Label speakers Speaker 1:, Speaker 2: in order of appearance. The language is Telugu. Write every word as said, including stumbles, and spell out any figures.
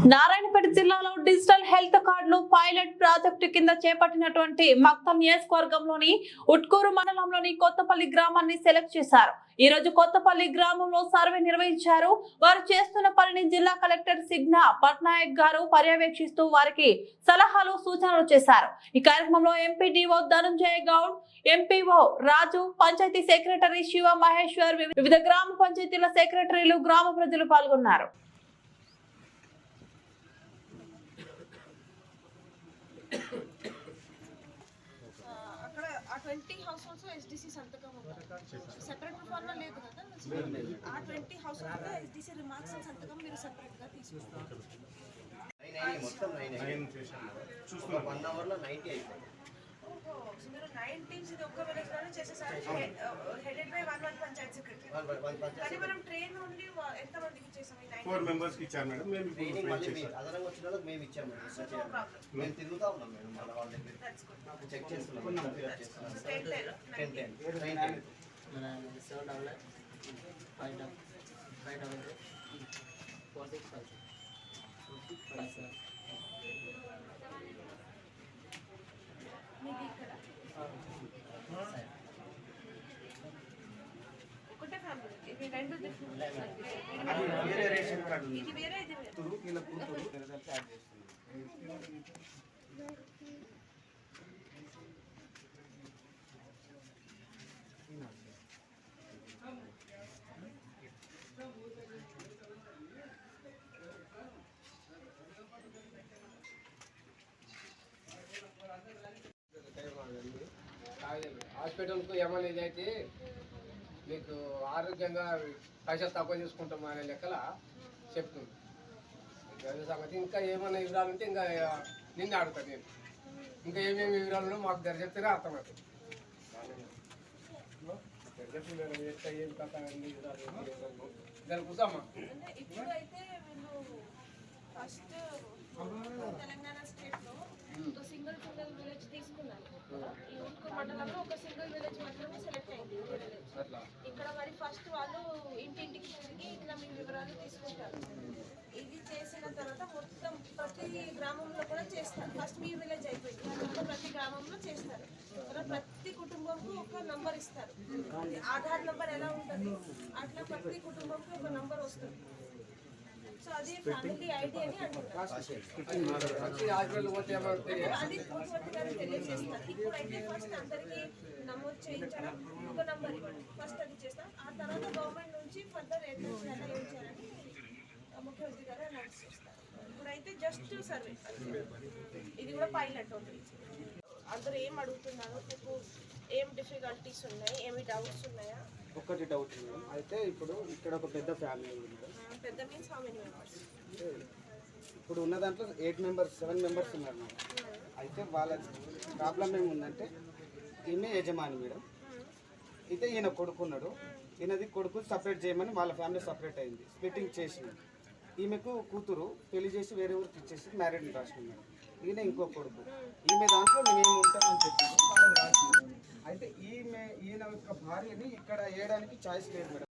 Speaker 1: నారాయణపేట జిల్లాలో డిజిటల్ హెల్త్ కార్డులు పైలట్ ప్రాజెక్టు కింద చేపట్టినటువంటి మక్తల్ నియోజకవర్గంలోని ఉట్కూరు మండలంలోని కొత్తపల్లి గ్రామాన్ని సెలెక్ట్ చేశారు. ఈ రోజు కొత్తపల్లి గ్రామంలో సర్వే నిర్వహించారు. వారు చేస్తున్న పనిని జిల్లా కలెక్టర్ సిగ్నా పట్నాయక్ గారు పర్యవేక్షిస్తూ వారికి సలహాలు సూచనలు చేశారు. ఈ కార్యక్రమంలో MPDO Dhananjaya Goud, MPO Raju, panchayat secretary Shiva Maheshwar, వివిధ గ్రామ పంచాయతీల సెక్రటరీలు, గ్రామ ప్రజలు పాల్గొన్నారు.
Speaker 2: అక్కడ ఆ ట్వంటీ హౌస్ హోల్డ్స్ ఎస్డిసి సంతకం సెపరేట్ ఫార్మ్లో లేదు కదా. ఆ twenty households SDC remarks సంతకం మీరు సెపరేట్గా తీసుకుంటారు. మీరు నైన్ టీమ్స్ ఇది ఒక్క విలేజ్ లోనే చేసేసారు. Headed by one one panchayat secretary. కానీ మనం ట్రైన్ నుండి ఎంత మందికి చేసాం?
Speaker 3: ఫోర్ మెంబర్స్ కి ఇచ్చారు మేడం. మేము
Speaker 4: ట్రైనింగ్ మళ్ళీ అదనంగా వచ్చిన వాళ్ళకి మేము ఇచ్చాము మేడం. మేము తిరుగుతా ఉన్నాం మేడం. మన వాళ్ళ దగ్గర చెక్ చేస్తున్నాం.
Speaker 2: Ten ten
Speaker 4: ten ten train
Speaker 5: మన seven double five double five double four six five five seven
Speaker 2: ఒకటే ఫ్యామిలీ. ఇది రెండు
Speaker 3: వేరే రేషన్ కార్డు ఉంది.
Speaker 2: ఇది వేరే ఇది వేరే.
Speaker 3: తురు ఇలా కూతురు రిజల్ట్ యాడ్ చేస్తున్నాం.
Speaker 6: హాస్పిటల్కు ఏమైనా ఇదైతే మీకు ఆరోగ్యంగా పైసలు తక్కువ తీసుకుంటాం అనే లెక్కల చెప్తుంది అదే సంగతి. ఇంకా ఏమైనా వివరాలు ఉంటే ఇంకా నిన్ను అడుగుతాను నేను. ఇంకా ఏమేమి వివరాలు ఉన్నాయో మాకు దగ్గర చెప్తేనే అర్థమవుతుంది. చెప్పి మేడం ఎట్లా ఏం కథ అన్ని వివరాలు దాని కూర్చోమ్మా.
Speaker 2: ఇప్పుడు అయితే వీళ్ళు ఫస్ట్ తెలంగాణ స్టేట్ లో ఒక సింగిల్ సింగిల్ విలేజ్ తీసుకున్నారు. ఈ ఉట్కూరు మండలంలో ఒక సింగిల్ విలేజ్ మాత్రమే సెలెక్ట్ అయింది. ఇక్కడ మరి ఫస్ట్ వాళ్ళు ఇంటింటికి తిరిగి ఇట్లా మీ వివరాలు తీసుకుంటారు. ఇది చేసిన తర్వాత మొత్తం ప్రతి గ్రామంలో కూడా చేస్తారు. ఫస్ట్ మీ విలేజ్ అయిపోయింది, మొత్తం ప్రతి గ్రామంలో చేస్తారు. తర్వాత ప్రతి కుటుంబంకు ఒక నంబర్ ఇస్తారు. ఆధార్ నంబర్ ఎలా ఉంటుంది అట్లా ప్రతి కుటుంబంకి ఒక నంబర్ వస్తుంది. సో అది ఫ్యామిలీ ఐడి అని అంటారు. అది పూర్తి గారు తెలియజేస్తారు. ఇప్పుడైతే ఫస్ట్ అందరికీ నమోదు చేయించడం, ఒక నంబర్ ఇవ్వండి, ఫస్ట్ అది చేస్తాం. ఆ తర్వాత గవర్నమెంట్ నుంచి ఫర్దర్ ఏం చేయాలని ముఖ్యమంత్రి గారు అనౌన్స్ చేస్తారు. ఇప్పుడైతే జస్ట్ సర్వే, ఇది కూడా పైలట్ ఉంటుంది. అందరూ ఏం అడుగుతున్నారు, మీకు ఏం డిఫికల్టీస్ ఉన్నాయి, ఏమి డౌట్స్ ఉన్నాయా?
Speaker 7: ఒక్కటి డౌట్ ఉంది మేడం. అయితే ఇప్పుడు ఇక్కడ ఒక పెద్ద ఫ్యామిలీ ఉంది మేడం.
Speaker 2: పెద్ద మీన్స్ హౌ మెనీ మెంబర్స్?
Speaker 7: ఇప్పుడు ఉన్న దాంట్లో ఎయిట్ మెంబర్స్ సెవెన్ మెంబర్స్ ఉన్నారు మేడం. అయితే వాళ్ళ ప్రాబ్లం ఏముందంటే ఈమె యజమాని మేడం, అయితే ఈయన కొడుకున్నాడు. ఈయనది కొడుకు సపరేట్ చేయమని వాళ్ళ ఫ్యామిలీ సపరేట్ అయింది, స్ప్లిట్టింగ్ చేసింది. ఈమెకు కూతురు పెళ్లి చేసి వేరే ఊరికి ఇచ్చేసి మ్యారేజ్ రాసింది మేడం. ఈయన ఇంకో కొడుకు. ఈమె దాంట్లో మేము ఉంటామని చెప్పింది. అయితే ఈమె ఈయన యొక్క భార్యని ఇక్కడ వేయడానికి ఛాయిస్ లేదు మేడం.